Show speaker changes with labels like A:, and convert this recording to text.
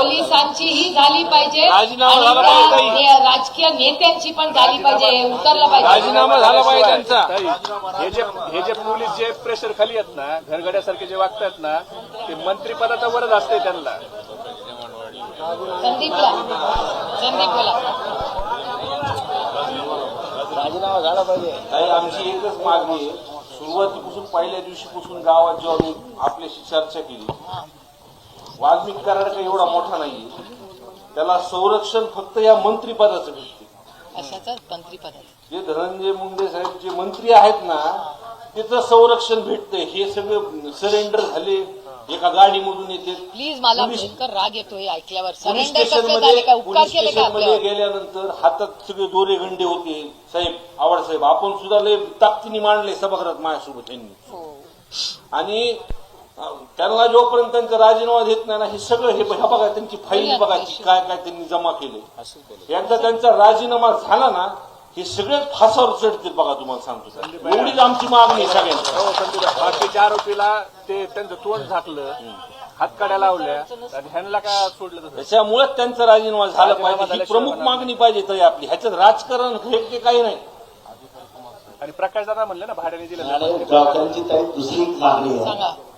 A: पोलिसांचीही झाली पाहिजे
B: राजीनामा
A: आणि
B: झाला
A: त्या
B: पाहिजे.
A: राजकीय नेत्यांची पण झाली पाहिजे, उतरलं पाहिजे.
B: राजीनामा झाला पाहिजे त्यांचा.
C: हे जे पोलीस जे प्रेशर खाली आहेत ना, घरगड्यासारखे जे वागतात ना, ते मंत्रिपदाचा वरच असते त्यांना.
A: संदीप बोला.
D: राजीनामा झाला पाहिजे.
E: ताई, आमची एकच मागणी आहे. सुरुवातीपासून पहिल्या दिवशीपासून गावात जेव्हा मी आपल्याशी चर्चा केली, वाल्मिक कराड काही एवढा मोठा नाहीये, त्याला संरक्षण फक्त या मंत्रिपदाचं भेटते.
A: अशाच मंत्रिपदाचं
E: जे धनंजय मुंडे साहेब जे मंत्री आहेत ना, त्याचं संरक्षण भेटतंय. हे सगळे सरेंडर झाले, एका गाडीमधून येते.
A: प्लीज, मला भयंकर राग येतोय ऐकल्यावर.
E: पोलीस
A: सरेंडर कसं झाले,
E: स्टेशनमध्ये
A: काय उपकार केले का आपल्यावर?
E: गेल्यानंतर हातात सगळे दोरे गंडे होते. साहेब, आवड साहेब, आपण सुद्धा लय ताकदीने मांडले सभागृहात माझ्यासोबत यांनी.
A: हो.
E: आणि त्यांना जोपर्यंत त्यांचा राजीनामा देत नाही ना, हे सगळं हे बघा, त्यांची फाईल बघा, काय काय त्यांनी जमा केले. एकदा त्यांचा राजीनामा झाला ना, हे सगळे फासावर चढतील बघा, तुम्हाला सांगतो. एवढीच आमची मागणी आहे सगळ्यांची.
C: हो, बाकीच्या आरोपीला ते त्यांचं तोंड झाकलं, हातकाड्या लावल्या, आणि ह्यांना का सोडलं तसं?
E: त्याच्यामुळे त्यांचा राजीनामा झाला पाहिजे. ही प्रमुख मागणी पाहिजे तरी आपली. ह्याच्यात राजकारण हे काही नाही.
C: आणि प्रकाश दादा म्हणले ना, भाड्याने दिलं.
D: आणि डॉक्टरांची ताई दुसरी मागणी आहे.
A: सांगा.